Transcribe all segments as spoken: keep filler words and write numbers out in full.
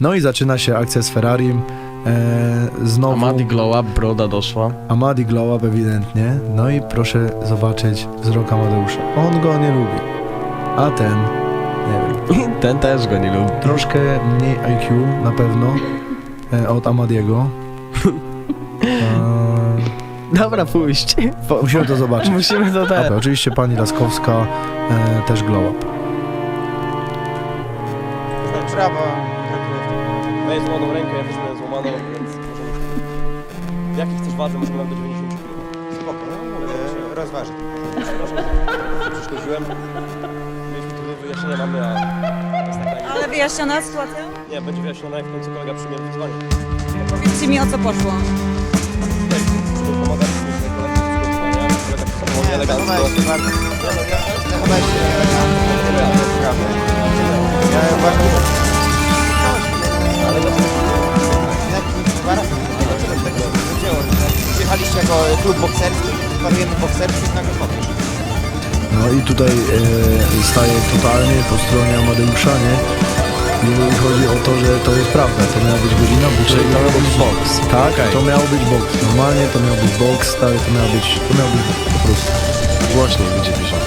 No i zaczyna się akcja z Ferrarim. E, znowu Amadi Glow Up, broda doszła. Amadi Glow Up ewidentnie. No i proszę zobaczyć wzrok Amadeusza. On go nie lubi. A ten, nie wiem. Ten też go nie lubi. Troszkę mniej I Q na pewno e, od Amadiego. E, Dobra, pójść. Po, musimy to zobaczyć. Musimy to też. Dobra, oczywiście pani Laskowska e, też Glow Up. Brawo. Miałeś złamaną rękę, ja też miałem złamaną, więc możemy... W jakiej chcesz wadze? Możemy nam do dziewięćdziesięciu kilo. Spoko, e, rozważę. Przepraszam, przeszkodziłem. Mieliśmy tu do wyjaśnienia, mamy, a... jest taka... Ale wyjaśniona sytuacja? Nie, będzie wyjaśniona, jak w końcu kolega przyjmie wyzwanie. Powiedzcie mi, o co poszło. Tutaj pomagaliśmy tutaj koledze w przygotowaniach, kolega się zachowuje elegancko. Zachowałeś się bardzo. Zachowałeś się elegancko. Ja bardzo... Ale dlaczego? Przyjechaliście jako klub bokserski, parujemy bokserski, nagle powiesz. No i tutaj e, staje totalnie po stronie Amadeusza, nie? Jeżeli chodzi o to, że to jest prawda, to miała być godzina, bo Czyli to miał być boks. Tak, Okej. to miał być boks. Normalnie to miał być boks, stary, to miał być, to miał być po prostu. Głośniej będzie piszą.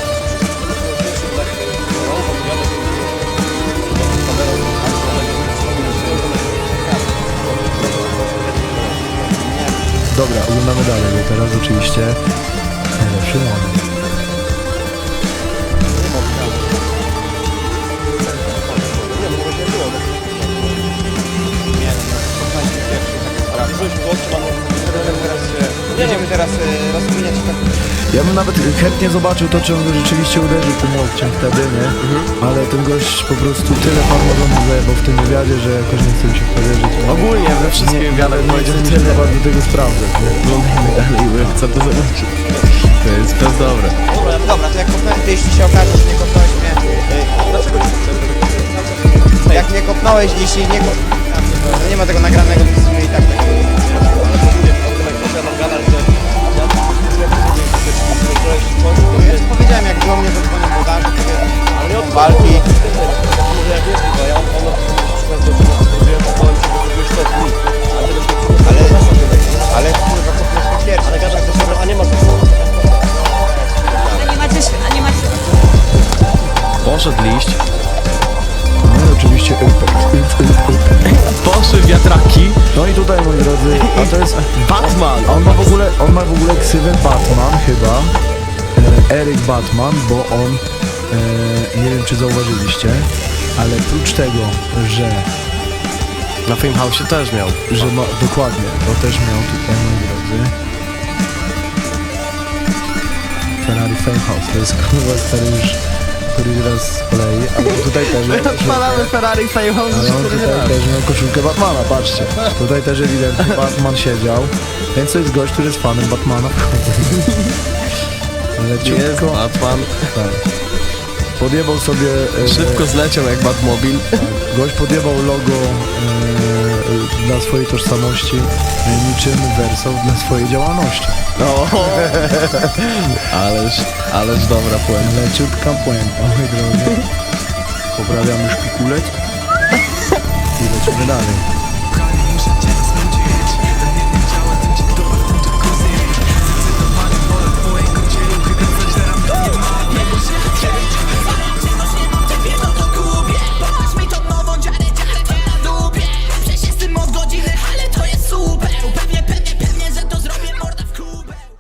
Dobra, oglądamy dalej, bo teraz oczywiście najlepszy moment. Będziemy teraz e, rozkminiać tak. Ja bym nawet chętnie zobaczył to, czy on go rzeczywiście uderzył tym łokciem wtedy, nie? Ale ten gość po prostu tyle farmazonu zajebał w tym wywiadzie, że jakoś nie chce mi się powierzyć. Ogólnie we wszystkim wywiadach nie powiedział chcę mi się tyle. bardzo tego sprawdzać, nie? Oglądajmy dalej, bo chcę to zobaczyć. To jest, to jest dobre. Dobra, to jak kopnąłem, to jeśli się okaże, że nie kopnąłeś mnie... E, Dlaczego nie chcesz? jak nie kopnąłeś, jeśli nie kopnąłeś... To nie ma tego nagranego, więc my i tak tego... Ale mówię, o tym jak proszę nam gadać, że... Ja ci powiedziałem, jak do mnie zadzwonił włodarze, Ale nie o to walki. Może jak jest, bo ja on na przykład do czego zrobiłem, opowiem ci, że zrobiłeś to dni. Ale tego się Ale, ale kurwa, kopnąłeś mnie pierwszy. Ale gadasz do siebie, a nie ma co. A nie macie... A nie macie... Poszedł liść. No i oczywiście impact. Poszły wiatraki. No i tutaj, moi drodzy, a to jest Batman. On ma w ogóle, on ma w ogóle ksywę Batman chyba, e, Eryk Batman, bo on, e, nie wiem czy zauważyliście, ale prócz tego, że, Na Fame House też miał. że ma, dokładnie, to też miał tutaj, moi drodzy, Ferrari Fame House, to jest kurwa stary już któryś raz z kolei, ale tutaj też miał koszulkę, Odpalamy Ferrari Fame House ale on cztery tutaj razy. też miał koszulkę Batmana, patrzcie, tutaj też ewidentnie Batman siedział, więc to jest gość, który jest fanem Batmana. Jest Leciutko, Batman. tak. Podjebał sobie... E, Szybko zleciał jak Batmobil. tak, gość podjebał logo e, dla swojej tożsamości, e, niczym Verso dla swojej działalności. No. Ależ, ależ dobra puenta. Leciutka puenta, moi drodzy. Poprawiamy szpikulec i lecimy dalej.